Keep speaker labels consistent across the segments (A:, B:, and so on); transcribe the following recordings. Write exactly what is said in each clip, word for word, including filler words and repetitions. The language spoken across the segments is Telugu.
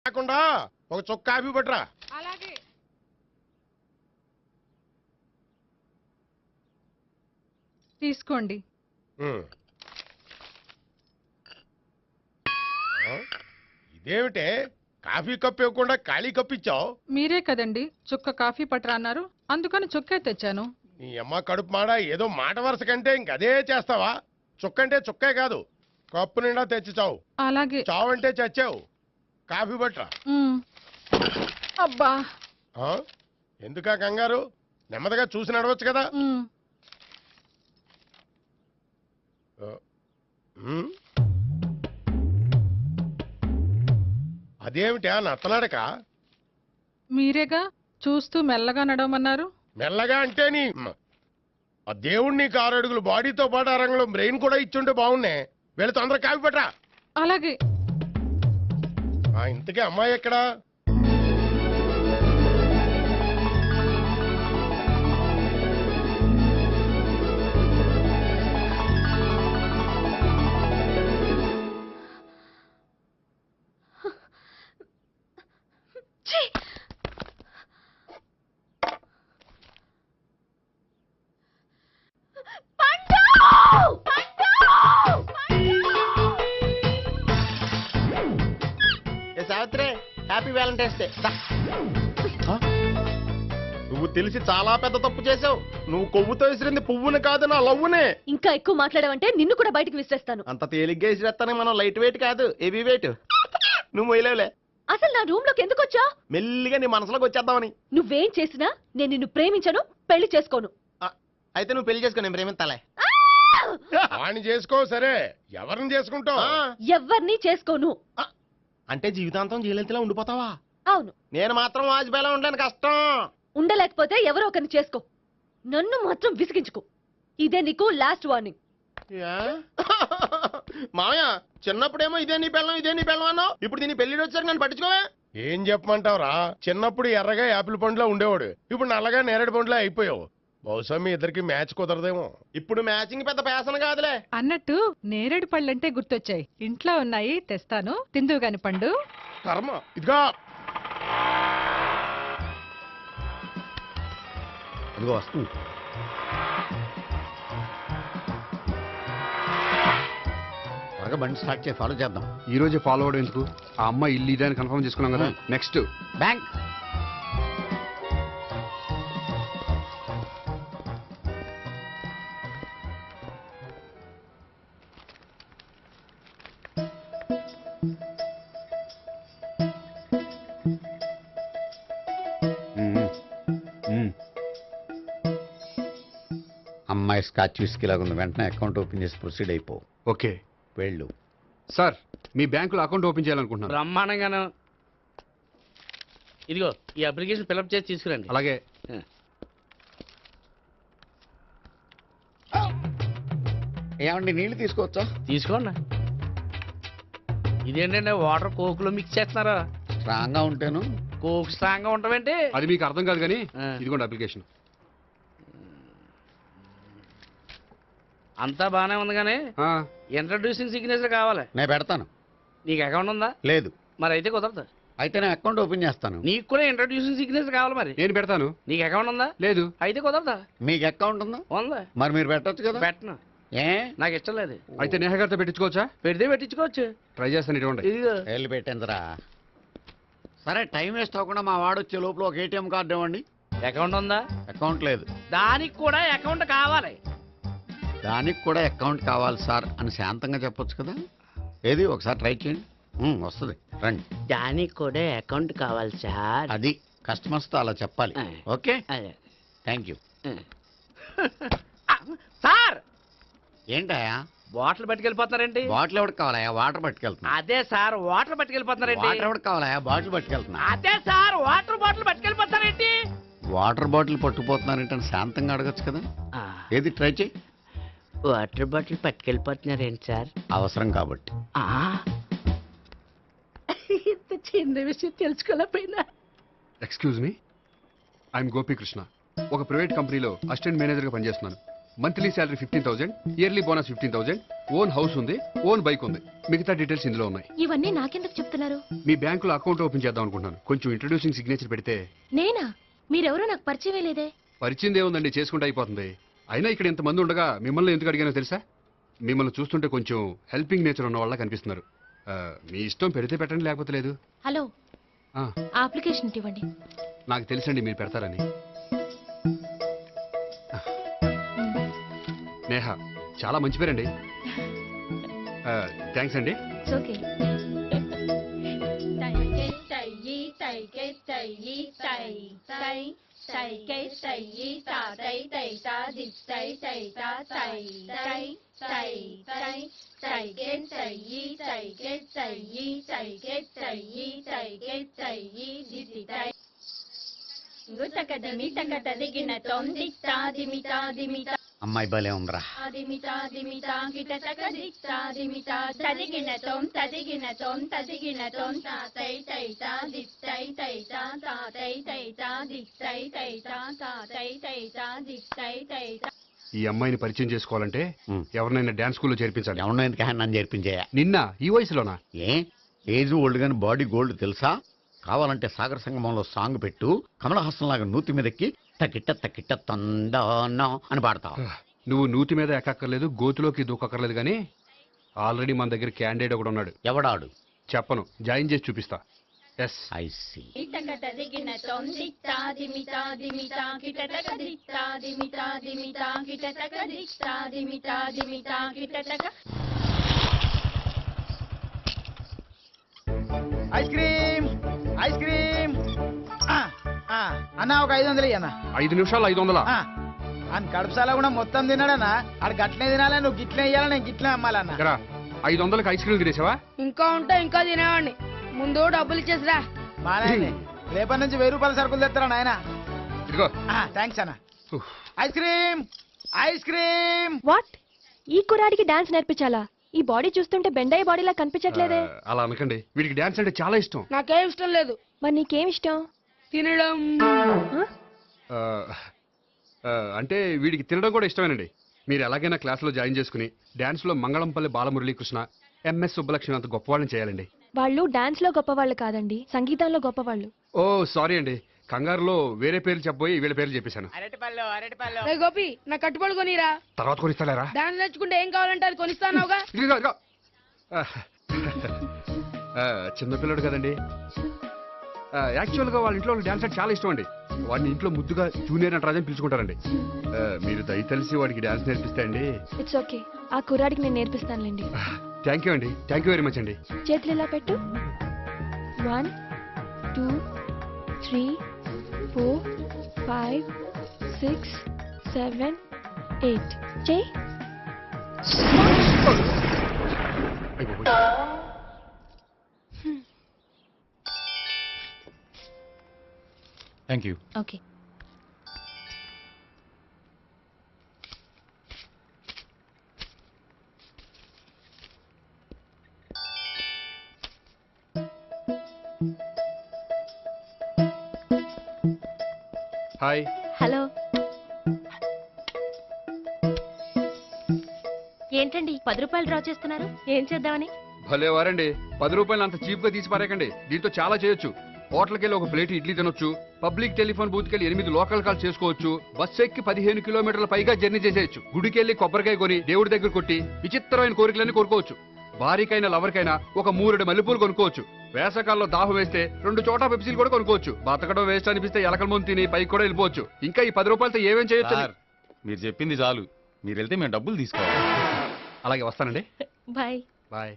A: కాకుండా ఒక చుక్క కాఫీ పట్టరా.
B: అలాగే. తీసుకోండి.
A: ఇదేమిటే కాఫీ కప్పు ఇవ్వకుండా ఖాళీ కప్పు ఇచ్చావు?
B: మీరే కదండి చుక్క కాఫీ పట్టరా అన్నారు, అందుకని చుక్కే తెచ్చాను.
A: నీ అమ్మ కడుపు మాడ, ఏదో మాట వరుస కంటే ఇంకదే చేస్తావా? చుక్కంటే చుక్కే కాదు, కప్పు నిండా తెచ్చి చావు.
B: అలాగే.
A: చావు అంటే చచ్చావు. కాఫీ పట్టరా.
B: అబ్బా,
A: ఎందుకా కంగారు? నెమ్మదిగా చూసి నడవచ్చు కదా. అదేమిటా నత్తలాడక?
B: మీరేగా చూస్తూ మెల్లగా నడవమన్నారు.
A: మెల్లగా అంటే నీ ఆ దేవుడు నీకు ఆరు అడుగులు బాడీతో పాటు ఆ రంగంలో బ్రెయిన్ కూడా ఇచ్చుంటే బాగున్నే. వెళ్ళి తొందర కాఫీ పట్టరా.
B: అలాగే.
A: ఇంతకీ అమ్మాయి ఎక్కడా?
C: Savitri, happy valentine's day. నువ్వు తెలిసి చాలా పెద్ద తప్పు చేసావు. నువ్వు కొవ్వుతో విసిరింది పువ్వుని కాదు, నా లవ్వునే.
D: ఇంకా ఎక్కువ మాట్లాడావంటే నిన్ను కూడా బయటకు విసిరేస్తాను.
C: అంత తేలిగ్గా విసిరేస్తానే, మనం లైట్ వెయిట్ కాదు, హెవీ వెయిట్. నువ్వు మొయ్యలేవులే.
D: అసలు నా రూమ్ లోకి ఎందుకు వచ్చా?
C: మెల్లిగా నీ మనసులోకి వచ్చేద్దామని.
D: నువ్వేం చేసినా నేను నిన్ను ప్రేమించను, పెళ్లి చేసుకోను.
C: అయితే నువ్వు పెళ్లి చేసుకో, నేను ప్రేమిస్తాలే.
A: వాణ్ణి చేసుకో. సరే, ఎవరిని చేసుకుంటావు?
D: ఎవరిని చేసుకోను.
C: అంటే జీవితాంతం జయలలితలా ఉండిపోతావా?
D: అవును.
C: నేను మాత్రం వాజ్పేయిలా ఉండలేను, కష్టం.
D: ఉండలేకపోతే ఎవరో ఒకరిని చేసుకో, నన్ను మాత్రం విసిగించుకో. ఇదే నీకు లాస్ట్ వార్నింగ్.
C: మామయ్య, చిన్నప్పుడేమో ఇదే నీ పెళ్ళం ఇదే నీ పెళ్ళం అన్నావు, ఇప్పుడు దీని పెళ్లి వచ్చారు నన్ను పట్టించుకోవే.
A: ఏం చెప్పమంటావురా? చిన్నప్పుడు ఎర్రగా యాపిల్ పండులో ఉండేవాడు, ఇప్పుడు నల్లగా నేరేడు పండులో అయిపోయావు. బహుశా మీ ఇద్దరికి మ్యాచ్ కుదరదేమో.
C: ఇప్పుడు మ్యాచింగ్ పెద్ద ఫ్యాషన్ కాదులే.
B: అన్నట్టు నేరేడు పళ్ళంటే గుర్తొచ్చాయి. ఇంట్లో ఉన్నాయి, తెస్తాను, తిందువు గాని పండు.
A: కర్మ. ఇదిగా
E: ఇదిగో వస్తుంది. త్వరగా బండి స్టార్ట్ చేసి ఫాలో చేద్దాం.
F: ఈ రోజే ఫాలో అవడం ఎందుకు? ఆ అమ్మాయి ఇల్లు ఇదని కన్ఫర్మ్ చేసుకున్నాం కదా. Next
E: bank. అమ్మాయి స్కాచ్ విస్కీ లాగా ఉంది. వెంటనే అకౌంట్ ఓపెన్ చేసి ప్రొసీడ్ అయిపో.
F: ఓకే,
E: వెళ్ళు.
F: సార్, మీ బ్యాంకులో అకౌంట్ ఓపెన్ చేయాలనుకుంటున్నాను.
G: బ్రహ్మాండంగాను. ఇదిగో ఈ అప్లికేషన్ ఫిల్అప్ చేసి తీసుకురండి.
F: అలాగే.
E: ఏమండి, నీళ్లు తీసుకోవచ్చా?
G: తీసుకోండి. ఇదేంటంటే వాటర్ కోకులో మిక్స్ చేస్తున్నారా?
E: స్ట్రాంగ్ గా ఉంటేను.
G: కోక్ స్ట్రాంగ్ గా ఉంటావేంటి?
F: అది మీకు అర్థం కాదు కానీ ఇదిగోండి అప్లికేషన్.
G: అంతా బానే ఉంది కానీ ఇంట్రడ్యూసింగ్ సిగ్నేచర్ కావాలి.
E: నేను పెడతాను.
G: నీకు అకౌంట్ ఉందా?
E: లేదు.
G: మరి అయితే కుదరదు.
E: అయితే నేను అకౌంట్ ఓపెన్ చేస్తాను.
G: నీకు కూడా ఇంట్రడ్యూసింగ్ సిగ్నేచర్ కావాలి. మరి
F: నేను పెడతాను.
G: నీకు అకౌంట్ ఉందా?
F: లేదు.
G: అయితే కుదరదా?
E: మీకు అకౌంట్ ఉందా?
G: ఉందా?
E: మరి మీరు పెట్టచ్చు కదా.
G: పెట్టను.
E: ఏ
G: నాకు ఇష్టం లేదు.
F: అయితే నేహ గారితో పెట్టించుకోవచ్చా?
G: పెడితే పెట్టించుకోవచ్చు.
F: ట్రై చేస్తాను. ఇటువంటి
G: ఇదిగో
E: వెళ్ళి పెట్టిందిరా. సరే, టైం వేస్ట్ అవ్వకుండా మా వాడు వచ్చే లోపల ఒక ఏటీఎం కార్డు ఇవ్వండి.
G: అకౌంట్ ఉందా?
E: అకౌంట్ లేదు.
G: దానికి కూడా అకౌంట్ కావాలి.
E: దానికి కూడా అకౌంట్ కావాలి సార్ అని శాంతంగా చెప్పొచ్చు కదా. ఏది ఒకసారి ట్రై చేయండి, వస్తుంది. రండి.
G: దానికి కూడా అకౌంట్ కావాలి సార్.
E: అది కస్టమర్స్ తో అలా చెప్పాలి. Okay, thank you.
G: సార్,
E: ఏంటయా
G: బాటిల్ పట్టుకెళ్ళిపోతున్నారండి?
E: బాటిల్ ఎవరికి కావాలయా? వాటర్ పట్టుకెళ్తున్నా.
G: అదే సార్, వాటర్ పట్టుకెళ్ళిపోతున్నారండి.
E: వాటర్ ఎవరికి కావాలయా? బాటిల్ పట్టుకెళ్తున్నా.
G: అదే సార్, వాటర్ బాటిల్ పట్టుకెళ్ళిపోతారేంటి?
E: వాటర్ బాటిల్ పట్టుకుపోతున్నారంటే శాంతంగా అడగచ్చు కదా. ఏది ట్రై చేయి.
G: వాటర్ బాటిల్ పట్టుకెళ్ళిపోతున్నారేంటి సార్?
E: అవసరం కాబట్టి.
G: ఇంత చిన్న విషయం తెలుసుకోలేకపోయినా.
F: Excuse me, I'm Gopikrishna. ఒక ప్రైవేట్ కంపెనీలో అసిస్టెంట్ మేనేజర్గా పనిచేస్తున్నాను. Monthly salary fifteen thousand, yearly bonus fifteen thousand, own house ఉంది, ఓన్ బైక్ ఉంది. మిగతా డీటెయిల్స్ ఇందులో ఉన్నాయి.
D: ఇవన్నీ నాకెందుకు చెప్తున్నారు?
F: మీ బ్యాంకులో అకౌంట్ ఓపెన్ చేద్దాం అనుకుంటున్నాను. కొంచెం ఇంట్రడ్యూసింగ్ సిగ్నేచర్ పెడితే.
D: నేనా? మీరెవరో నాకు పరిచయం లేదే.
F: పరిచయం ఏముందండి, చేసుకుంటే అయిపోతుంది. అయినా ఇక్కడ ఇంతమంది ఉండగా మిమ్మల్ని ఎందుకు అడిగానో తెలుసా? మిమ్మల్ని చూస్తుంటే కొంచెం హెల్పింగ్ నేచర్ ఉన్న వాళ్ళ కనిపిస్తున్నారు. ఆ, మీ ఇష్టం పెడితే పెట్టండి, లేకపోతే లేదు.
D: హలో,
F: ఆ,
D: ఆ అప్లికేషన్ ఇవ్వండి.
F: నాకు తెలుసండి మీరు పెడతారని. నేహ చాలా మంచి పేరండి. థ్యాంక్స్ అండి.
D: ఓకే.
E: అమ్మాయి భలే ఉందిరా.
F: ఈ అమ్మాయిని పరిచయం చేసుకోవాలంటే
E: ఉమ్.
F: ఎవరినైనా డాన్స్ స్కూల్లో చేర్పించాలి.
E: ఎవరినో ఎందుకు నన్ను చేర్పించేయా?
F: నిన్న ఈ వయసులోనా?
E: ఏ ఏజ్ ఓల్డ్ గాని బాడీ గోల్డ్ తెలుసా? కావాలంటే సాగర సంగమంలో సాంగ్ పెట్టు, కమలహాసం లాగా నూతి మీదకి తకిట్ట తకిట్ట తందానా అని పాడతావు.
F: నువ్వు నూతి మీద ఎక్కక్కర్లేదు, గోతులోకి దూకక్కర్లేదు, కానీ ఆల్రెడీ మన దగ్గర క్యాండిడేట్ ఒకడు ఉన్నాడు.
E: ఎవడాడు?
F: చెప్పను, జాయిన్ చేసి చూపిస్తా. Yes,
E: I see.
H: Ice cream ice cream అన్న ఒక ఐదు వందలు అన్న.
F: ఐదు నిమిషాలు ఐదు వందలా?
H: అని కడుపుసాల కూడా మొత్తం తిన్నాడన్నా. ఆడు గట్లనే తినాలి, నువ్వు గిట్లే ఇయ్యాలి, నేను గిట్లే అమ్మాలన్నా.
F: ఇక్కడ ఐదు వందలకి ఐస్ క్రీమ్ తినేసావా?
G: ఇంకా ఉంటే ఇంకా తినేవాడిని. ముందు డబ్బులు ఇచ్చేసిరా.
H: మా నాయన రేపటి నుంచి వెయ్యి రూపాయల సరుకులు తెస్తారా నాయన?
F: ఇదిగో.
H: థ్యాంక్స్ అన్న. Ice cream ice cream.
I: What? ఈ కుర్రాడికి డాన్స్ నేర్పించాలా? ఈ బాడీ చూస్తుంటే బెండాయి బాడీలా కనిపించట్లేదే.
F: ఆ, అలా అనకండి, వీడికి డాన్స్ అంటే చాలా ఇష్టం.
G: నాకేం ఇష్టం లేదు.
I: మరి నీకేం ఇష్టం?
G: తినడం.
F: ఆ, ఆ, అంటే వీడికి తినడం కూడా ఇష్టమేనండి. మీరు ఎలాగైనా క్లాస్లో జాయిన్ చేసుకుని డాన్స్లో మంగళంపల్లి బాలమురళీకృష్ణ, ఎంఎస్ సుబ్బలక్ష్మి అంత గొప్పవాళ్ళని చేయాలండి.
I: వాళ్ళు డాన్స్ లో గొప్పవాళ్ళు కాదండి, సంగీతంలో గొప్పవాళ్ళు.
F: ఓ సారీ అండి, కంగారులో వేరే పేర్లు చెప్పబోయి వీళ్ళ పేర్లు చెప్పేశాను.
H: అరటిపళ్ళు అరటిపళ్ళు.
G: రే గోపి, నా కట్టుబడి కొనిరా.
F: తర్వాత కొనిస్తారా?
G: డాన్స్ నేర్చుకుంటే ఏం కావాలంటే అది కొనిస్తానావుగా.
F: ఇదిగో, ఇదిగో. ఆ, ఆ, చిన్నపిల్లడు కదండి. ఆ, యాక్చువల్గా వాళ్ళ ఇంట్లో డాన్స్ అంటే చాలా ఇష్టం అండి. వాడిని ఇంట్లో ముద్దుగా జూనియర్ నటరాజని పిలుచుకుంటారండి. ఆ, మీరు దయతలిసి వాడికి డాన్స్ నేర్పిస్తే అండి.
I: ఇట్స్ ఓకే, ఆ కుర్రాడికి నేను నేర్పిస్తానులేండి.
F: థ్యాంక్ యూ అండి, థ్యాంక్ యూ వెరీ మచ్ అండి.
I: చేతులు ఇలా పెట్టు. One two three four five six seven eight. చేయి.
J: Thank you.
D: Okay.
F: Hi.
D: Hello. ఏంటండి పది రూపాయలు డ్రా చేస్తున్నారు? ఏం చేద్దామని?
F: భలే వారండి, పది రూపాయలు అంత చీప్ గా తీసి పారేకండి. దీంతో చాలా చేయొచ్చు. హోటల్కి వెళ్ళి ఒక ప్లేట్ ఇడ్లీ తినొచ్చు, పబ్లిక్ టెలిఫోన్ బూత్కి వెళ్ళి ఎనిమిది లోకల్ కాల్ చేసుకోవచ్చు, బస్సు ఎక్కి పదిహేను కిలోమీటర్ల పైగా జర్నీ చేసేయచ్చు, గుడికి వెళ్ళి కొబ్బరికాయ కొని దేవుడి దగ్గర కొట్టి విచిత్రమైన కోరికలన్నీ కోరుకోవచ్చు, భారీకైనా లవర్కైనా ఒక మూరెడు మల్లెపూలు కొనుక్కోవచ్చు, వేసవకాలంలో దాహం వేస్తే రెండు చోట పెప్సీలు కూడా కొనుక్కోవచ్చు, బతకడం వేస్ట్ అనిపిస్తే ఎలకల ముందు తిని పైకి కూడా వెళ్ళిపోవచ్చు. ఇంకా ఈ పది రూపాయలతో ఏమేం చేయొచ్చు?
J: మీరు చెప్పింది చాలు, మీరు వెళ్తే మేము డబ్బులు తీసుకోవాలి.
F: అలాగే వస్తానండి.
D: బాయ్.
F: బాయ్.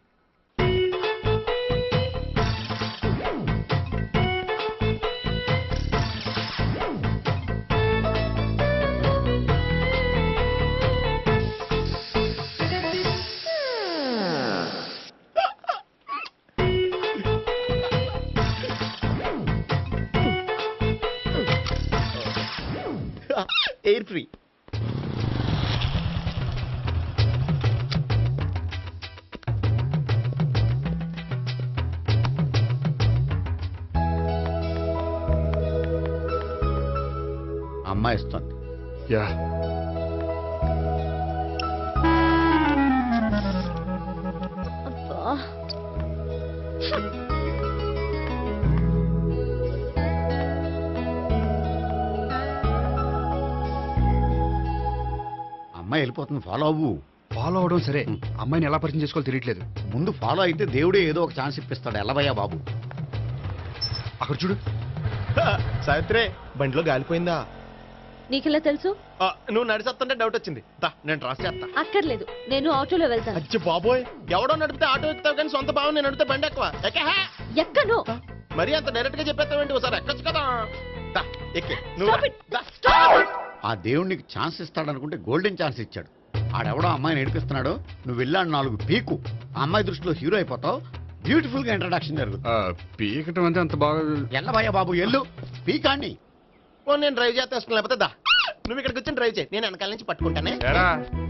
E: Air free. అమ్మాయి ఇస్తుంది.
F: యా.
E: అమ్మాయి వెళ్ళిపోతుంది, ఫాలో అవ్వు.
F: ఫాలో అవడం సరే, అమ్మాయిని ఎలా పరిచయం చేసుకోవాలో తెలియట్లేదు.
E: ముందు ఫాలో అయితే దేవుడే ఏదో ఒక ఛాన్స్ ఇప్పిస్తాడు. ఎల్లవయ్యా బాబు.
F: అక్కడ చూడు.
C: సావిత్రి బండిలో గాలిపోయిందా?
D: నీకెలా తెలుసు?
C: ఆ, నువ్వు నడిచేస్తుంటే డౌట్ వచ్చింది. దా, నేను ట్రాస్ చేస్తా.
D: అక్కర్లేదు, నేను ఆటోలో వెళ్తాను.
C: అచ్చి బాబోయ్, ఎవడో నడిపితే ఆటో ఎక్కుతావు కానీ సొంత భావం నేను నడిపితే బండి ఎక్కువ. ఎక్కే
D: ఎక్కను.
C: మరి అంత డైరెక్ట్ గా చెప్పేస్తావేంటి? ఒకసారి ఎక్కొచ్చు కదా. దా, ఎక్కే నువ్వు
D: Stop
C: రా.
D: it.
C: దా.
E: ఆ దేవుడికి ఛాన్స్ ఇస్తాడనుకుంటే గోల్డెన్ ఛాన్స్ ఇచ్చాడు. ఆడెవడో అమ్మాయిని ఏడిపిస్తున్నాడు, నువ్వు వెళ్ళాడు నాలుగు పీకు. ఆ అమ్మాయి దృష్టిలో హీరో అయిపోతావు. బ్యూటిఫుల్ గా ఇంట్రడక్షన్ జరుగుతుంది.
F: ఆ, పీకటం అంటే అంత బాగా.
E: ఎల్లవయ్యా బాబు, ఎల్లు పీకాన్ని.
C: ఓ, నేను డ్రైవ్ చేస్తాను. లేకపోతే దా, నువ్వు ఇక్కడికి వచ్చి డ్రైవ్ చేయి, నేను వెనకాల నుంచి పట్టుకుంటానే.
F: ఎరా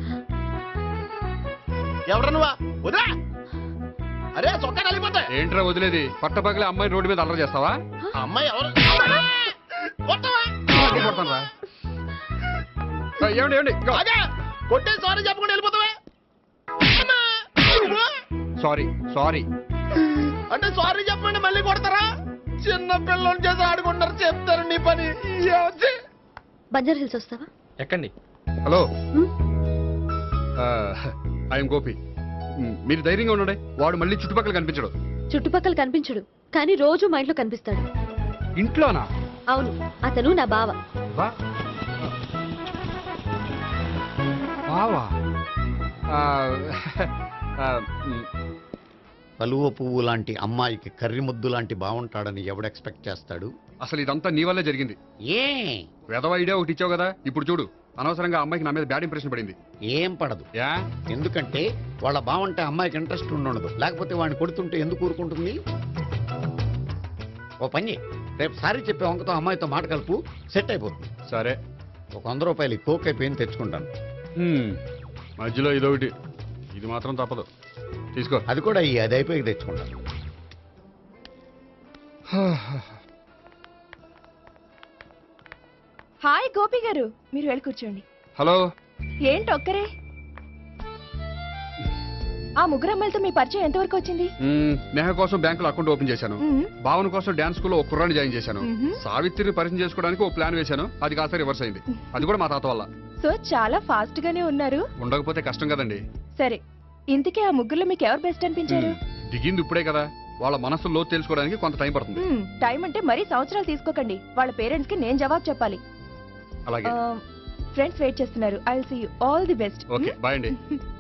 C: ఎవరు నువ్వా? వదిలా. అరే చొక్కా కలిగిపోతా.
F: ఏంట్రా వదిలేది? పట్టపగలే అమ్మాయి రోడ్డు మీద అల్లరి చేస్తావా?
C: ఆ అమ్మాయి ఎవరు? కొట్టవా?
F: కొడతానురా. ఆ, ఏమండి ఏమండి
C: అదే కొట్టే సారీ చెప్పకుండా వెళ్ళిపోతావా? అమ్మా!
F: Sorry sorry.
C: అంటే సారీ చెప్పండి మళ్ళీ కొడతారా? చిన్న పిల్లలు చేసి ఆడుకుంటారు, చెప్తారు నీ పని.
D: బంజారా హిల్స్ వస్తావా?
F: ఎక్కండి. హలో,
D: హ్మ్?
F: ఐఎమ్ గోపి. మ్, మీరు ధైర్యంగా ఉండండి. వాడు మళ్ళీ చుట్టుపక్కల కనిపించడు.
D: చుట్టుపక్కల కనిపించడు, కానీ రోజు మా ఇంట్లో కనిపిస్తాడు.
F: ఇంట్లోనా?
D: అవును, అతను నా బావ.
F: వా బావా. ఆ, ఆ, మ్,
E: కలువ పువ్వు లాంటి అమ్మాయికి కర్రి ముద్దు లాంటి బాగుంటాడని ఎవడు ఎక్స్పెక్ట్ చేస్తాడు?
F: అసలు ఇదంతా నీ వల్లే జరిగింది.
E: ఏ
F: వెధవ ఐడియా ఒకటి ఇచ్చావు కదా, ఇప్పుడు చూడు. అనవసరంగా అమ్మాయికి నా మీద బ్యాడ్ ఇంప్రెషన్ పడింది.
E: ఏం పడదు.
F: యా,
E: ఎందుకంటే వాళ్ళ బాగుంటే అమ్మాయికి ఇంట్రెస్ట్ ఉండదు. లేకపోతే వాడిని కొడుతుంటే ఎందుకు ఊరుకుంటుంది? ఓ పని, రేపు సారీ చెప్పే వంకతో అమ్మాయితో మాట కలుపు, సెట్ అయిపోతుంది.
F: సరే.
E: ఒక వంద రూపాయలు కోక్ అయిపోయింది, తెచ్చుకుంటాను.
F: మ్, మధ్యలో ఇదొకటి, ఇది మాత్రం తప్పదు. తీసుకో.
E: అది కూడా ఈ అది అయిపోయి తెచ్చుకుంటాను.
I: హాయ్ గోపి గారు, మీరు వెళ్ళి కూర్చోండి.
F: హలో.
I: ఏంటి ఒక్కరే? ఆ ముగ్గురు అమ్మాయిలతో మీ పరిచయం ఎంతవరకు వచ్చింది?
F: మ్, నేహ కోసం బ్యాంకులో అకౌంట్ ఓపెన్ చేశాను.
I: మ్మ్.
F: భావన కోసం డాన్స్ స్కూల్లో ఒక కుర్రాన్ని జాయిన్ చేశాను.
I: మ్మ్.
F: సావిత్రిని పరిచయం చేసుకోవడానికి ఒక ప్లాన్ వేశాను. అది కాస్త రివర్స్ అయింది. అది కూడా మా తాత వల్ల.
I: సో చాలా ఫాస్ట్ గానే ఉన్నారు.
F: ఉండకపోతే కష్టం కదండి.
I: సరే, ఇంతకీ ఆ ముగ్గురులో మీకు ఎవరు బెస్ట్ అనిపించారు?
F: మ్, దిగింది ఇప్పుడే కదా, వాళ్ళ మనసు లోతు తెలుసుకోవడానికి కొంత టైం పడుతుంది.
I: మ్మ్, టైం అంటే మరీ సంవత్సరాలు తీసుకోకండి. వాళ్ళ పేరెంట్స్ కి నేను జవాబు చెప్పాలి.
F: అలాగే.
I: ఫ్రెండ్స్ వెయిట్ చేస్తున్నారు. I will see you all the best.
F: Okay, bye అండి.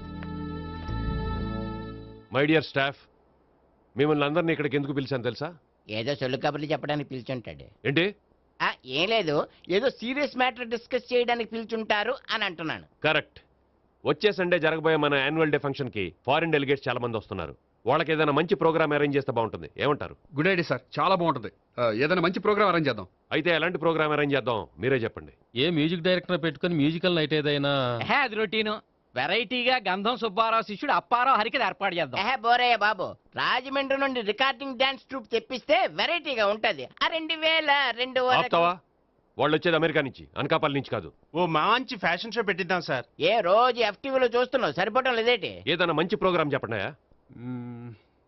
A: మై డియర్ స్టాఫ్, మిమ్మల్ని అందరినీ ఇక్కడికి ఎందుకు పిలిచాను తెలుసా?
G: ఏదో సొల్లు కబుర్లు చెప్పడానికి పిలుచుంటాడు.
A: ఏంటి?
G: ఆ, ఏం లేదు, ఏదో సీరియస్ మ్యాటర్ డిస్కస్ చేయడానికి పిలుచుంటారు అని అంటున్నాను.
A: కరెక్ట్. వచ్చే సండే జరగబోయే మన యాన్యువల్ డే ఫంక్షన్ కి ఫారిన్ డెలిగేట్స్ చాలా మంది వస్తున్నారు. వాళ్ళకి ఏదైనా మంచి ప్రోగ్రామ్ అరేంజ్ చేస్తే బాగుంటుంది. ఏమంటారు?
F: గుడ్ ఐడియా సార్, చాలా బాగుంటుంది. ఆ, ఏదైనా మంచి ప్రోగ్రామ్ అరేంజ్ చేద్దాం.
A: అయితే ఎలాంటి ప్రోగ్రామ్ అరేంజ్ చేద్దాం మీరే చెప్పండి.
J: ఏ మ్యూజిక్ డైరెక్టర్ పెట్టుకుని మ్యూజికల్ నైట్ ఏదైనా?
G: అది రొటీను. వెరైటీగా గంధం సుబ్బారావు శిష్యుడు అప్పారావు హరికి ఏర్పాటు చేద్దాం. ఏహే బోరయ్య బాబు, రాజమండ్రి నుండి రికార్డింగ్ డాన్స్ ట్రూప్ తెప్పిస్తే వెరైటీగా ఉంటది. ఆ రెండు వేల రెండు
A: ఆపుతావా? వాళ్ళు వచ్చేది అమెరికా నుంచి, అనకాపల్లి నుంచి కాదు.
C: ఓ మంచి ఫ్యాషన్ షో పెట్టిద్దాం సార్.
G: ఏ రోజు ఎఫ్టీవీలో చూస్తున్నావు, సరిపోవటం లేదేటి?
A: ఏదైనా మంచి ప్రోగ్రామ్ చెప్పండియా.
F: మ్,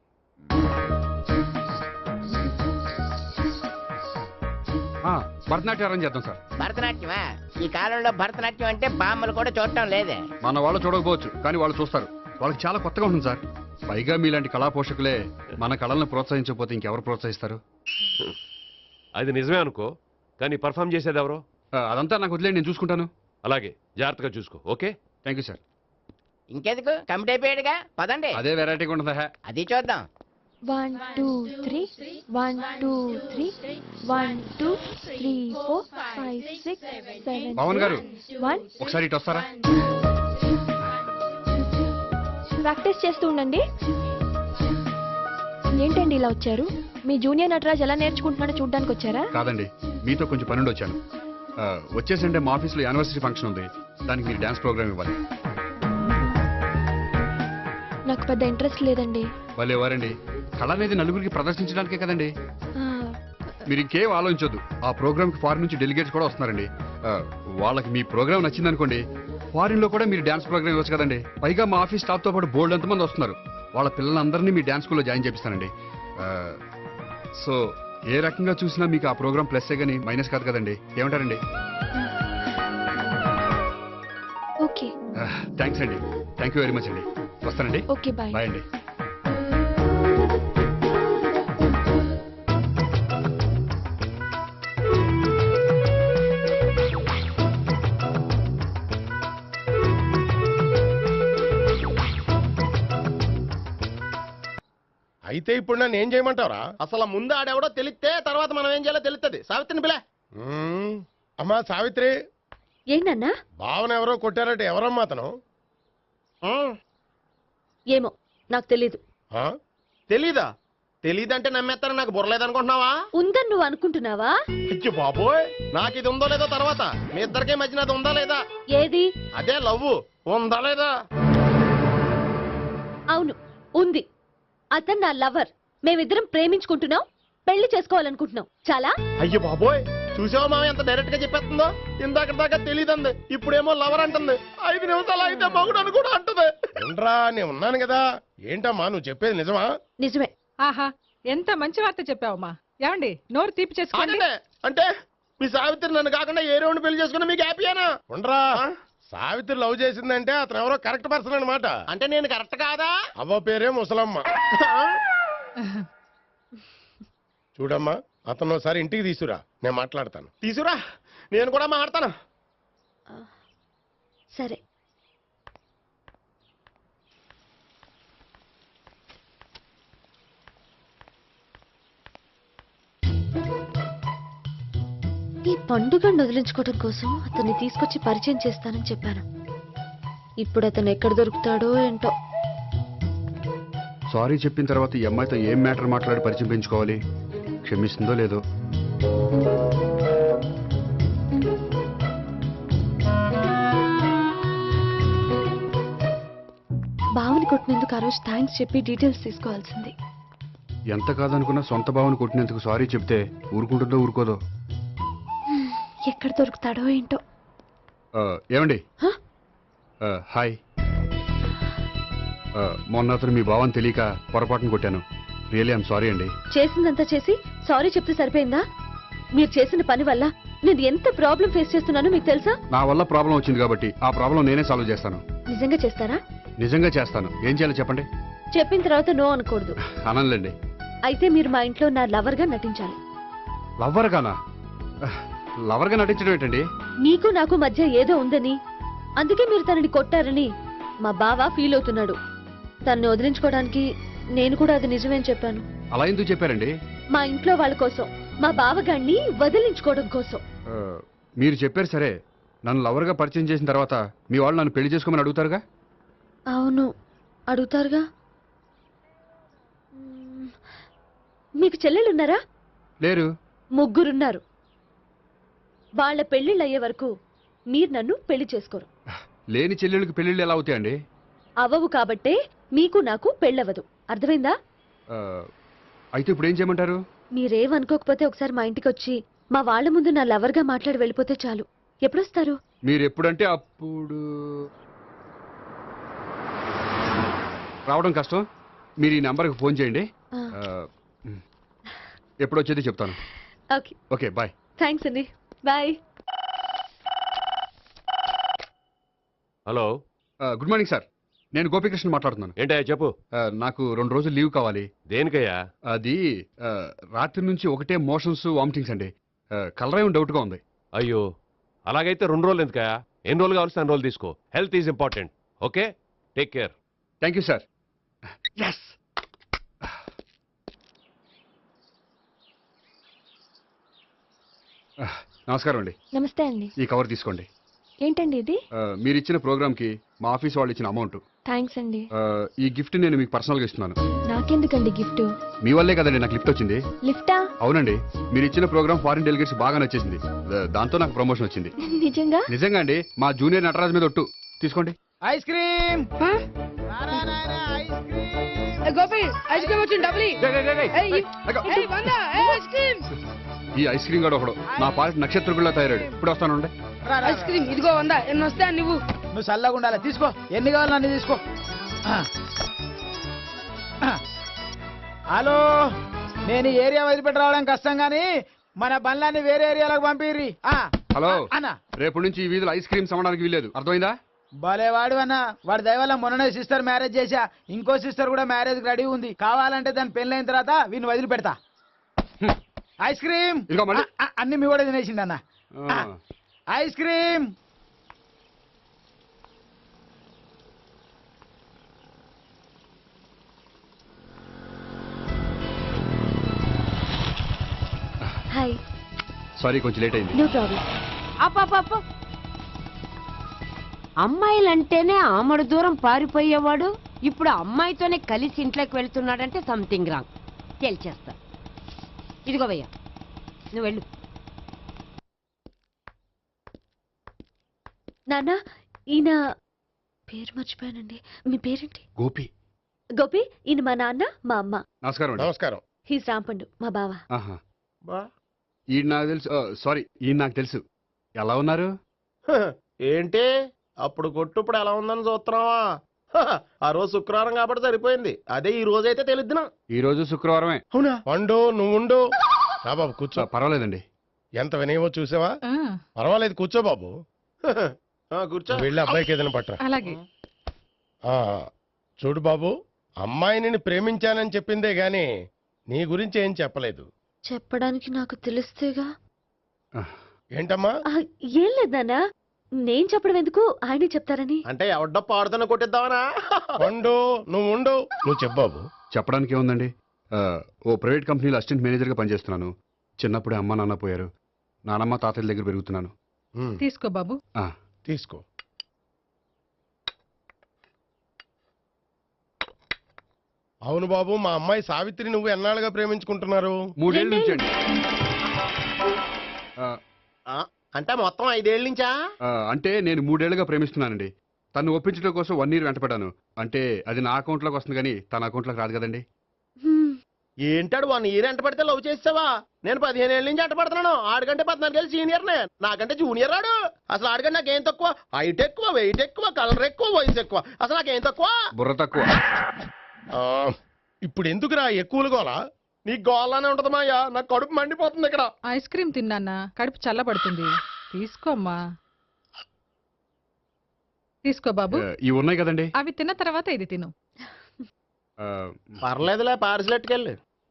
F: ఆ, భరతనాట్యం అరేంజ్ చేద్దాం సార్.
G: భరతనాట్యమా? ఈ కాలంలో భరతనాట్యం అంటే బామ్మలు కూడా చూడటం లేదే.
F: మన వాళ్ళు చూడకపోవచ్చు, కానీ వాళ్ళు చూస్తారు. వాళ్ళకి చాలా కొత్తగా ఉంటుంది సార్. పైగా మీలాంటి కళా పోషకులే మన కళలను ప్రోత్సహించకపోతే ఇంకెవరు ప్రోత్సహిస్తారు?
A: అది నిజమే అనుకో, కానీ పర్ఫామ్ చేసేది ఎవరో?
F: ఆ, అదంతా నాకు వదిలేండి, నేను చూసుకుంటాను.
A: అలాగే, జాగ్రత్తగా చూసుకో. Okay,
F: thank you sir.
G: ఇంకెందుకు, కమిటీ అయిపోయాడుగా, పదండి.
F: అదే వెరైటీగా ఉంటుందా?
G: అది చూద్దాం.
I: One two three one two three one two three four five six seven
F: Pawan garu,
I: one.
F: ఒకసారి ఇటు వస్తారా?
I: ప్రాక్టీస్ చేస్తూ ఉండండి. ఏంటండి ఇలా వచ్చారు? మీ జూనియర్ నటరాజ్ ఎలా నేర్చుకుంటున్నాడో చూడడానికి వచ్చారా?
F: కాదండి, మీతో కొంచెం పనుండి వచ్చాను. ఆ, వచ్చేసంటే మా ఆఫీస్లో యానివర్సరీ ఫంక్షన్ ఉంది, దానికి మీరు డాన్స్ ప్రోగ్రామ్ ఇవ్వాలి.
I: నాకు పెద్ద ఇంట్రెస్ట్ లేదండి.
F: వాళ్ళు ఎవరండి? కళ అనేది నలుగురికి ప్రదర్శించడానికే కదండి.
I: ఆ,
F: మీరు ఇంకేం ఆలోచించొద్దు. ఆ ప్రోగ్రామ్ కి ఫారిన్ నుంచి డెలిగేట్స్ కూడా వస్తున్నారండి. ఆ, వాళ్ళకి మీ ప్రోగ్రామ్ నచ్చిందనుకోండి, ఫారిన్ లో కూడా మీరు డాన్స్ ప్రోగ్రామ్ ఇవ్వచ్చు కదండి. పైగా మా ఆఫీస్ స్టాఫ్ తో పాటు బోల్డ్ ఎంతమంది వస్తున్నారు. వాళ్ళ పిల్లలందరినీ మీ డాన్స్ స్కూల్లో జాయిన్ చేపిస్తానండి. ఆ, సో ఏ రకంగా చూసినా మీకు ఆ ప్రోగ్రామ్ ప్లస్సే గానీ మైనస్ కాదు కదండి. ఏమంటారండి?
I: ఓకే.
F: థ్యాంక్స్ అండి, థ్యాంక్ యూ వెరీ మచ్ అండి. వస్తానండి.
I: Okay bye.
F: బాయ్ అండి.
A: అయితే ఇప్పుడు నన్ను ఏం చేయమంటావరా?
C: అసలు ముందు ఆడెవడో తెలిస్తే తర్వాత మనం ఏం చేయాలో తెలుస్తుంది. సావిత్రిని పిల్ల.
A: మ్మ్. అమ్మా సావిత్రి,
D: ఏంటన్నా?
A: భావన ఎవరో కొట్టారట, ఎవరమ్మా అతను?
D: ఏమో నాకు తెలీదు.
A: ఆ?
C: తెలీదా? తెలీదంటే నమ్మేస్తారని నాకు బుర్రలేదనుకుంటున్నావా?
D: ఉందని నువ్వు అనుకుంటున్నావా?
C: అయ్యో బాబోయ్, నాకు ఇది ఉందో లేదో తర్వాత. మీ ఇద్దరికే మధ్యన అది ఉందా లేదా?
D: ఏది?
C: అదే లవ్ ఉందా లేదా?
D: అవును, ఉంది. అతను నా లవర్. మేమిద్దరం ప్రేమించుకుంటున్నాం, పెళ్లి చేసుకోవాలనుకుంటున్నాం. చాలా.
C: అయ్యో బాబోయ్, చూసావా మామ ఎంత డైరెక్ట్ గా చెప్పేస్తుందో? ఇందాక దాకా తెలియదండి, ఇప్పుడేమో లవర్ అంటుంది. ఐదు నిమిషాలు అయితే మగుడు అని కూడా అంటుంది.
A: ఏంట్రా, నేను ఉన్నాను కదా. ఏంటమ్మా నువ్వు చెప్పేది నిజమా?
D: నిజమే.
B: ఆహా, ఎంత మంచి వార్త చెప్పావమ్మా. ఏమండి, నోరు తీపి చేసుకోండి.
C: ఆగండి. అంటే మీ సావిత్రి నన్ను కాకుండా ఏ రౌండ్ పెళ్లి చేసుకున్నా మీకు హ్యాపీయేనా?
A: ఉండరా, సావిత్రి లవ్ చేసిందంటే అతను ఎవరో కరెక్ట్ పర్సన్ అనమాట.
C: అంటే నేను కరెక్ట్ కాదా?
A: అవ్వ పేరే ముసలమ్మ. చూడమ్మా, అతను ఒకసారి ఇంటికి తీసుకురా, నేను మాట్లాడతాను.
C: తీసురా, నేను కూడా మాట్లాడతాను.
D: సరే. ఈ పండుగను వదిలించుకోవడం కోసం అతన్ని తీసుకొచ్చి పరిచయం చేస్తానని చెప్పాను. ఇప్పుడు అతను ఎక్కడ దొరుకుతాడో ఏంటో.
F: సారీ చెప్పిన తర్వాత ఈ అమ్మాయితో ఏం మ్యాటర్ మాట్లాడి పరిచయం పెంచుకోవాలి? క్షమిస్తుందో లేదో.
I: బావని కొట్టినందుకు ఆ రోజు థ్యాంక్స్ చెప్పి డీటెయిల్స్ తీసుకోవాల్సింది.
F: ఎంత కాదనుకున్నా సొంత భావన కొట్టినందుకు సారీ చెప్తే ఊరుకుంటుందో ఊరుకోదో.
I: ఎక్కడ దొరుకుతాడో ఏంటో.
F: ఆ, ఏమండి?
I: హ?
F: ఆ, హాయ్. ఆ, మొన్న అతను మీ భావన తెలియక పొరపాటును కొట్టాను. రియలీ ఐఎమ్ సారీ అండి.
D: చేసిందంతా చేసి సారీ చెప్తే సరిపోయిందా? మీరు చేసిన పని వల్ల నేను ఎంత ప్రాబ్లం ఫేస్ చేస్తున్నానో మీకు తెలుసా?
F: నా వల్ల ప్రాబ్లం వచ్చింది కాబట్టి ఆ ప్రాబ్లం నేనే సాల్వ్ చేస్తాను.
D: నిజంగా చేస్తారా?
F: నిజంగా చేస్తాను. ఏం చేయాలో చెప్పండి.
D: చెప్పిన తర్వాత నో అనకూడదు.
F: అనలేండి.
D: అయితే మీరు మా ఇంట్లో నా లవర్ గా నటించాలి.
F: లవ్వర్ గానా? లవర్ గా నటించడం ఏంటండి?
D: నీకు నాకు మధ్య ఏదో ఉందని, అందుకే మీరు తనని కొట్టారని మా బావ ఫీల్ అవుతున్నాడు. తనని వదిలించుకోవడానికి నేను కూడా అది నిజమేని చెప్పాను.
F: అలా ఎందుకు చెప్పారండి?
D: మా ఇంట్లో వాళ్ళ కోసం, మా బావగాడిని వదిలించుకోవడం కోసం.
F: ఆ, మీరు చెప్పారు సరే. నన్ను లవర్ గా పరిచయం చేసిన తర్వాత మీ వాళ్ళు నన్ను పెళ్లి చేసుకోమని అడుగుతారుగా?
D: అవును, అడుగుతారుగా. మ్మ్. మీకు చెల్లెలున్నారా?
F: లేరు.
D: ముగ్గురున్నారు. వాళ్ళ పెళ్లిళ్ళు అయ్యే వరకు మీరు నన్ను పెళ్లి చేసుకోరు.
F: లేని చెల్లెళ్ళకి పెళ్లిళ్ళు ఎలా అవుతాయండి?
D: అవ్వవు కాబట్టే మీకు నాకు పెళ్ళవదు. అర్థమైందా?
F: ఆ, అయితే ఇప్పుడు ఏం చేయమంటారు?
D: మీరేమనుకోకపోతే ఒకసారి మా ఇంటికి వచ్చి మా వాళ్ళ ముందు నా లవర్ గా మాట్లాడి వెళ్ళిపోతే చాలు. ఎప్పుడొస్తారు?
F: మీరు ఎప్పుడంటే అప్పుడు. రావడం కష్టం. మీరు ఈ నెంబర్కి ఫోన్ చేయండి.
D: ఆ.
F: ఆ, ఎప్పుడు వచ్చేది చెప్తాను.
D: ఓకే.
F: Okay, bye.
D: థ్యాంక్స్ అండి. Bye.
J: Hello,
F: good morning sir. నేను గోపికృష్ణ మాట్లాడుతున్నాను.
J: ఏంటయ్యా చెప్పు.
F: ఆ, నాకు రెండు రోజులు లీవ్ కావాలి.
J: దేనికయ్యా?
F: అది ఆ, రాత్రి నుంచి ఒకటే మోషన్స్ వామిటింగ్స్ అండి. కలరేం డౌట్గా ఉంది.
J: అయ్యో, అలాగైతే రెండు రోజులు ఎందుకయ్యా? ఎన్ని రోజులు కావాల్సిన అన్ని రోజులు తీసుకో. Health is important. Okay, take care.
F: Thank you sir. Yes. నమస్కారం అండి.
I: నమస్తే అండి.
F: ఈ కవర్ తీసుకోండి.
I: ఏంటండి ఇది?
F: ఆ, మీరు ఇచ్చిన ప్రోగ్రామ్కి మా ఆఫీస్ వాళ్ళు ఇచ్చిన అమౌంట్.
I: థ్యాంక్స్ అండి.
F: ఆ, ఈ గిఫ్ట్ నేను మీకు పర్సనల్గా ఇస్తున్నాను.
I: నాకెందుకండి గిఫ్ట్?
F: మీ వల్లే కదండి నాకు లిఫ్ట్ వచ్చింది.
I: లిఫ్టా?
F: అవునండి, మీరు ఇచ్చిన ప్రోగ్రామ్ ఫారిన్ డెలిగేట్స్ బాగా నచ్చేసింది. దా- దాంతో నాకు ప్రమోషన్ వచ్చింది.
I: నిజంగా?
F: నిజంగా అండి. మా జూనియర్ నటరాజ్ మీద ఒట్టు. తీసుకోండి.
H: Ice cream.
B: Gopi, ice cream వచ్చింది. డబ్బులు
F: ఈ ఐస్ క్రీమ్ గడు ఒకడు నా పాలిట నక్షత్రకుల్లా తయారాడు. ఇప్పుడు వస్తానండి.
B: ఐస్ క్రీమ్ ఇదిగో వందా. ఎన్ని వస్తాయి నువ్వు?
H: నువ్వు చల్లగా ఉండాలి. తీసుకో, ఎన్ని కావాలి అన్ని తీసుకో. ఆ. ఆ. హలో, నేను ఈ ఏరియా వదిలిపెట్టి రావడం కష్టం గానీ మన బండ్లన్నీ వేరే ఏరియాలకు పంపిర్రి. ఆ.
F: హలో,
H: అన్న,
F: రేపు నుంచి ఈ వీధిలో ఐస్ క్రీమ్స్ అమ్మడానికి వీల్లేదు. అర్థమైందా?
H: భలే వాడు అన్న వాడి దయవల్ల మొన్ననే సిస్టర్ మ్యారేజ్ చేశా ఇంకో సిస్టర్ కూడా మ్యారేజ్ రెడీ ఉంది కావాలంటే దాని పెళ్ళైన తర్వాత వీడిని వదిలి పెడతా ఐస్ క్రీమ్
F: ఇదిగో మళ్ళీ.
H: ఆ, ఆ, అన్ని మీ కూడా తినేసిండి అన్న
F: ఆ.
H: ఐస్ క్రీమ్
D: హాయ్
F: సారీ కొంచెం లేట్ అయింది
D: నో ప్రాబ్లం.
K: అప్ప అమ్మాయిలంటేనే ఆమడు దూరం పారిపోయేవాడు ఇప్పుడు అమ్మాయితోనే కలిసి ఇంట్లోకి వెళ్తున్నాడంటే సంథింగ్ రాంగ్ తేల్చేస్తా ఇదిగో భయ్యా నువ్వు వెళ్ళు
D: నాన్న ఈయన పేరు మర్చిపోయానండి. మీ పేరేంటి?
F: గోపి.
D: గోపి, ఈయన మా నాన్న మా అమ్మ.
F: నమస్కారం అండి.
A: నమస్కారం.
D: హీస్ రాంపండు మా బావ.
F: ఆహా.
C: బా
F: ఈయన నాకు తెలుసు సారీ ఈయన నాకు తెలుసు ఎలా ఉన్నారు?
C: హ, ఏంటి అప్పుడు కొట్టు ఇప్పుడు ఎలా ఉందని చూస్తున్నావా? హ, ఆ రోజు శుక్రవారం కాబట్టి సరిపోయింది. అదే ఈ రోజు అయితే తెలిద్దునా.
F: ఈ రోజు శుక్రవారమే.
C: అవునా?
A: పండు నువ్వుండు. రా బాబు కూర్చో.
F: ఆ, పర్వాలేదండి.
A: ఎంత వినయమో చూసావా?
B: ఆ,
A: పర్వాలేదు కూర్చో బాబు.
C: హ, ఆ, కూర్చో.
A: వెళ్ళి అబ్బాయికి ఏదైనా పట్టరా.
B: అలాగే.
A: ఆ, చూడు బాబు, అమ్మాయిని ప్రేమించానని చెప్పిందే గాని నీ గురించి ఏం చెప్పలేదు.
D: చెప్పడానికి నాకు తెలిస్తేగా.
A: ఏంటమ్మా?
D: ఆ, ఏం లేదు నాన్న, నేను చెప్పడం ఎందుకు, ఆయనే చెప్తారని.
C: అంటే ఎవడ్డో పాడుతున్న కొట్టిద్దామనా?
A: పండు నువ్వు ఉండు. నువ్వు చెప్పు బాబు.
F: చెప్పడానికి ఏముందండి, ఆ, ఓ ప్రైవేట్ కంపెనీలో అసిస్టెంట్ మేనేజర్గా పనిచేస్తున్నాను. చిన్నప్పుడే అమ్మ నాన్న పోయారు. నానమ్మ తాతయ్య దగ్గర పెరుగుతున్నాను.
A: ఉమ్,
B: తీసుకో బాబు.
F: ఆ,
A: తీసుకో. అవును బాబు, మా అమ్మాయి సావిత్రి నువ్వు ఎన్నాళ్ళుగా ప్రేమించుకుంటున్నారు?
F: మూడేళ్ళ నుంచి అండి. ఆ,
C: ఆ, అంటే మొత్తం ఐదేళ్ళ నుంచా?
F: ఆ, అంటే నేను మూడేళ్లుగా ప్రేమిస్తున్నానండి. తను ఒప్పించడం కోసం వన్ ఇయర్ వెంటపడ్డాను. అంటే అది నా అకౌంట్లోకి వస్తుంది కానీ తన అకౌంట్లోకి రాదు కదండి.
D: హ్మ్.
C: ఏంటాడు వన్ ఇయర్ ఎంట పడితే లవ్ చేసావా? నేను పదిహేను ఏళ్ళ నుంచి ఎంట పడుతున్నాను. ఆడికంటే పద్నాలుగేళ్ళు సీనియర్నే, నాకంటే జూనియర్ ఆడు. అసలు ఆడికంటే నాకేం తక్కువ? హైట్ ఎక్కువ, వెయిట్ ఎక్కువ, కలర్ ఎక్కువ, వయసు ఎక్కువ. అసలు నాకేం తక్కువ?
F: బుర్ర తక్కువ.
A: ఆ, ఇప్పుడు ఎందుకురా ఎక్కువలు గోలా?
C: నీకు గోళ్ళనే ఉంటది మాయా, నాకు కడుపు మండిపోతుంది ఇక్కడ.
B: ఐస్ క్రీమ్ తిన్నానా, కడుపు చల్లబడుతుంది. తీసుకోమ్మా. తీసుకో బాబు.
F: ఆ, ఇవి ఉన్నాయి కదండి.
B: అవి తిన్న తర్వాత ఇది తిను.
F: ఆ,
C: పర్లేదులే, పార్సిల్ ఎట్టుకెళ్ళి.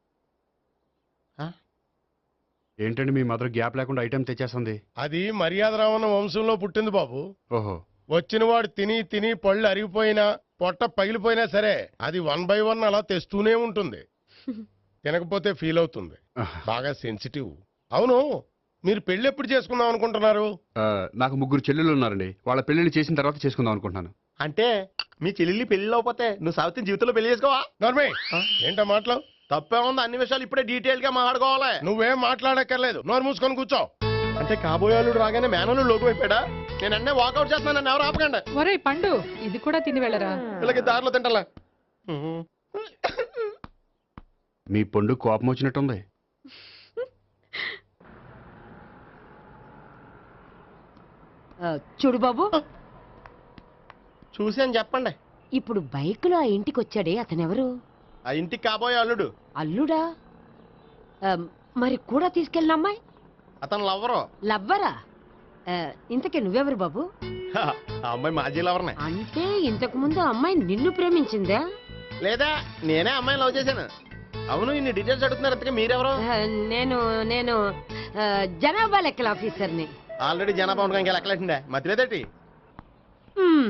F: ఏంటండి మీ మదర్ గ్యాప్ లేకుండా ఐటెం తెచ్చేస్తుంది?
A: అది మర్యాద రావణ వంశంలో పుట్టింది బాబు.
F: ఓహో.
A: వచ్చిన వాడు తిని తిని పళ్ళు అరిగిపోయినా పొట్ట పగిలిపోయినా సరే అది వన్ బై వన్ అలా తెస్తూనే ఉంటుంది. తినకపోతే ఫీల్ అవుతుంది.
F: ఆహా.
A: బాగా సెన్సిటివ్. అవును, మీరు పెళ్లి ఎప్పుడు చేసుకుందాం అనుకుంటున్నారు?
F: ఆ, నాకు ముగ్గురు చెల్లెళ్ళు ఉన్నారండి. వాళ్ళ పెళ్లిళ్ళు చేసిన తర్వాత చేసుకుందాం అనుకుంటున్నాను.
C: అంటే మీ చెల్లెల్ని పెళ్లి లేకపోతే నువ్వు సావిత్రి జీవితంలో పెళ్లి చేసుకోవా?
A: నర్మే, ఏంటో మాటలు?
C: తప్పే ఉంది, అన్ని విషయాలు ఇప్పుడే డీటెయిల్ గా మాట్లాడుకోవాలి.
A: నువ్వేం మాట్లాడక్కర్లేదు, నోరు మూసుకొని కూర్చో.
C: అంటే కాబోయేవాళ్ళు రాగానే మేనలు లోకి అయిపోయాడా? నేను అన్నీ వాకౌట్ చేస్తున్నాను, నన్ను ఎవరు ఆపకండి.
B: ఒరేయ్ పండు, ఇది కూడా తిని వెళ్ళరా.
C: వీళ్ళకి దారిలో తింటలా.
F: మీ పండు కోపం వచ్చినట్టుంది.
K: ఆ, చూడు బాబు,
C: చూసాను చెప్పండి.
K: ఇప్పుడు బైక్లో ఆ ఇంటికి వచ్చాడే అతనెవరు?
C: ఆ ఇంటికి కాబోయే అల్లుడు.
K: అల్లుడా? ఆ, మరి కూడా తీసుకెళ్ళిన అమ్మాయి
C: అతను లవ్వరు.
K: లవ్వరా? ఆ, ఇంతకీ నువ్వెవరు బాబు?
C: ఆ అమ్మాయి మాజీ లవర్నే.
K: అంటే ఇంతకు ముందు అమ్మాయి నిన్ను ప్రేమించిందా?
C: లేదా నేనే అమ్మాయిని లవ్ చేశాను. అవును, ఇన్ని డీటెయిల్స్ అడుగుతున్నారు. ఇంతకీ మీరెవరు?
K: ఆ, నేను నేను ఆ, జనాభా లెక్కల ఆఫీసర్ని.
C: ఆల్రెడీ జనాభా ఉండగా ఇంకా లెక్కలేసిందే, మధ్యలేదేటి?
K: హ్మ్.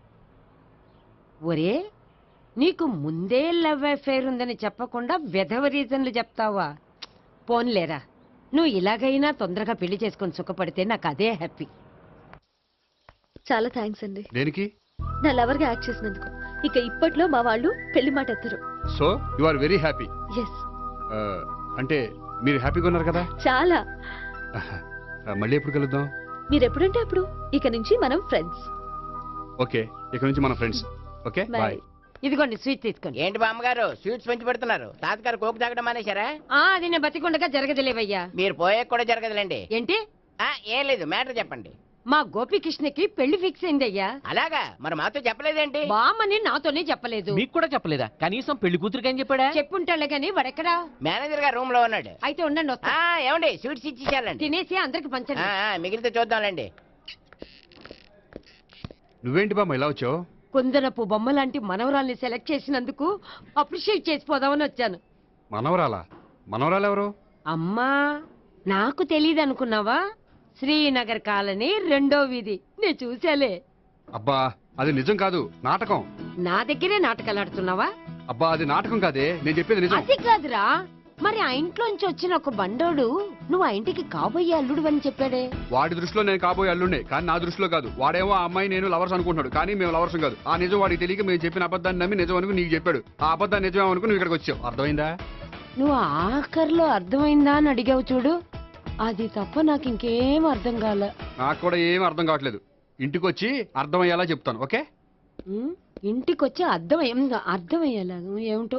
K: ఒరే, నీకు ముందే లవ్ అఫైర్ ఉందని చెప్పకుండా వెధవ రీజన్లు చెప్తావా? పోన్లేరా, నువ్వు ఇలాగైనా తొందరగా పెళ్లి చేసుకొని సుఖపడితే నాకు అదే హ్యాపీ.
D: చాలా థ్యాంక్స్ అండి,
F: దేనికి?
D: నా లవర్ గా యాక్ట్ చేసినందుకు. ఇక ఇప్పట్లో మా వాళ్ళు పెళ్లి మాట ఎత్తరు.
F: So you are very happy.
D: Yes,
F: అంటే మీరు హ్యాపీగా ఉన్నారు కదా?
D: చాలా.
F: ఆ, మళ్ళీ ఎప్పుడు కలుద్దాం?
D: మీరు ఎప్పుడంటే అప్పుడు. ఇక నుంచి మనం ఫ్రెండ్స్.
F: ఓకే, ఇక నుంచి మన ఫ్రెండ్స్. Okay,
D: bye.
F: బాయ్.
K: ఇదిగోండి స్వీట్ తీసుకోండి.
G: ఏంటి బామ్మగారు స్వీట్స్ పెంచి పెడుతున్నారు? తాతగారు కోకు తాగడం మానేశారా?
K: ఆ, అది నేను బతికుండగా జరగదులేవయ్యా.
G: మీరు పోయే కూడా జరగదులేండి.
K: ఏంటి?
G: ఆ, ఏం లేదు, మ్యాటర్ చెప్పండి.
K: మా గోపికృష్ణకి పెళ్లి ఫిక్స్ అయిందయ్యా.
G: అలాగా? మరి మాతో చెప్పలేదేంటి?
K: బామ్మని నాతోనే చెప్పలేదు.
G: మీకు కూడా చెప్పలేదా? కనీసం పెళ్లి కూతురికి అని చెప్పాడా?
K: చెప్పుంటాలే గాని వాడెక్కడా?
G: మేనేజర్ గారు రూమ్ లో ఉన్నాడు.
K: అయితే ఉండండి, వస్తా.
G: ఆ, ఏమండి స్వీట్స్ ఇచ్చేసాలండి.
K: తినేసి అందరికి పంచండి.
G: మిగిలితే చూద్దాంలేండి.
F: నువ్వేంటి బామ్మ ఇలా వచ్చావు?
K: కుందనపు బొమ్మ లాంటి మనవరాల్ని సెలెక్ట్ చేసినందుకు అప్రిషియేట్ చేసిపోదామని వచ్చాను.
F: మనవరాలా? మనవరాలు ఎవరు?
K: అమ్మా, నాకు తెలియదు అనుకున్నావా? శ్రీనగర్ కాలనీ రెండో వీధి, నేను చూసాలే.
F: అబ్బా అది నిజం కాదు, నాటకం.
K: నా దగ్గరే నాటకాలు ఆడుతున్నావా?
F: అబ్బా అది నాటకం కాదే, నేను చెప్పేది నిజం.
K: అది కాదురా, మరి ఆ ఇంట్లోంచి వచ్చిన ఒక బండోడు నువ్వు ఆ ఇంటికి కాబోయే అల్లుడు అని చెప్పాడే.
F: వాడి దృష్టిలో నేను కాబోయే అల్లుండే, కానీ నా దృష్టిలో కాదు. వాడేమో ఆ అమ్మాయి నేను లవర్స్ అనుకుంటున్నాడు, కానీ మేము లవర్స్ కాదు. ఆ నిజం వాడికి తెలియక మేము చెప్పిన అబద్ధాన్ని నమ్మి నిజం అనుకుని నీకు చెప్పాడు. ఆ అబద్ధాన్ని నిజమే అనుకుని నువ్వు ఇక్కడికి వచ్చావు. అర్థమైందా?
K: నువ్వు ఆఖరిలో అర్థమైందా అని అడిగావు చూడు, అది తప్ప నాకు ఇంకేం అర్థం కాలే.
F: నాకు కూడా ఏం అర్థం కావట్లేదు. ఇంటికి వచ్చి అర్థమయ్యేలా చెప్తాను, ఓకే?
K: ఉమ్, ఇంటికొచ్చి అర్థం ఏం అర్థమయ్యేలా ఏమిటో.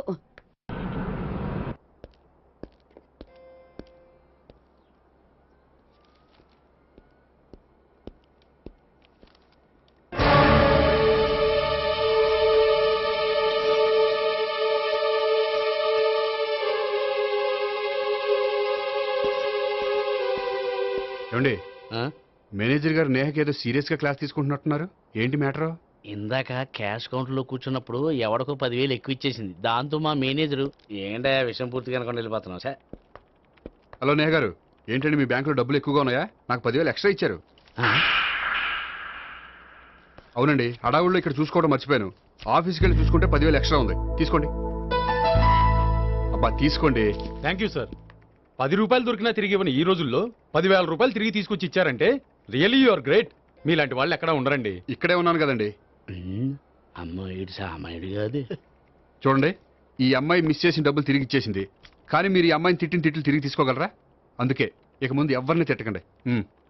F: ఏమండి, మేనేజర్ గారు నేహకి ఏదో సీరియస్ గా క్లాస్ తీసుకుంటున్నట్టున్నారు. ఏంటి మ్యాటర్?
G: ఇందాక క్యాష్ కౌంటర్ లో కూర్చున్నప్పుడు ఎవడికో పదివేలు ఎక్కువ ఇచ్చేసింది. దాంతో మా మేనేజరు ఏంటా విషయం పూర్తిగా అనుకుని వెళ్ళిపోతున్నాం సార్.
F: హలో నేహ గారు, ఏంటండి మీ బ్యాంకులో డబ్బులు ఎక్కువగా ఉన్నాయా? నాకు పదివేలు ఎక్స్ట్రా ఇచ్చారు. అవునండి, హడావుల్లో ఇక్కడ చూసుకోవడం మర్చిపోయాను. ఆఫీస్కి వెళ్ళి చూసుకుంటే పదివేలు ఎక్స్ట్రా ఉంది, తీసుకోండి. అబ్బా తీసుకోండి.
L: Thank you sir. పది రూపాయలు దొరికినా తిరిగి ఇవ్వని ఈ రోజుల్లో పదివేల రూపాయలు తిరిగి తీసుకొచ్చి ఇచ్చారంటే రియలీ యు ఆర్ గ్రేట్. మీలాంటి వాళ్ళు ఎక్కడా ఉండరండి.
F: ఇక్కడే ఉన్నాను కదండి.
G: అమ్మాయి సామాయుడు కాదు.
F: చూడండి, ఈ అమ్మాయి మిస్ చేసిన డబ్బులు తిరిగి ఇచ్చేసింది, కానీ మీరు ఈ అమ్మాయిని తిట్టిన తిట్లు తిరిగి తీసుకోగలరా? అందుకే ఇక ముందు ఎవరిని తిట్టకండి.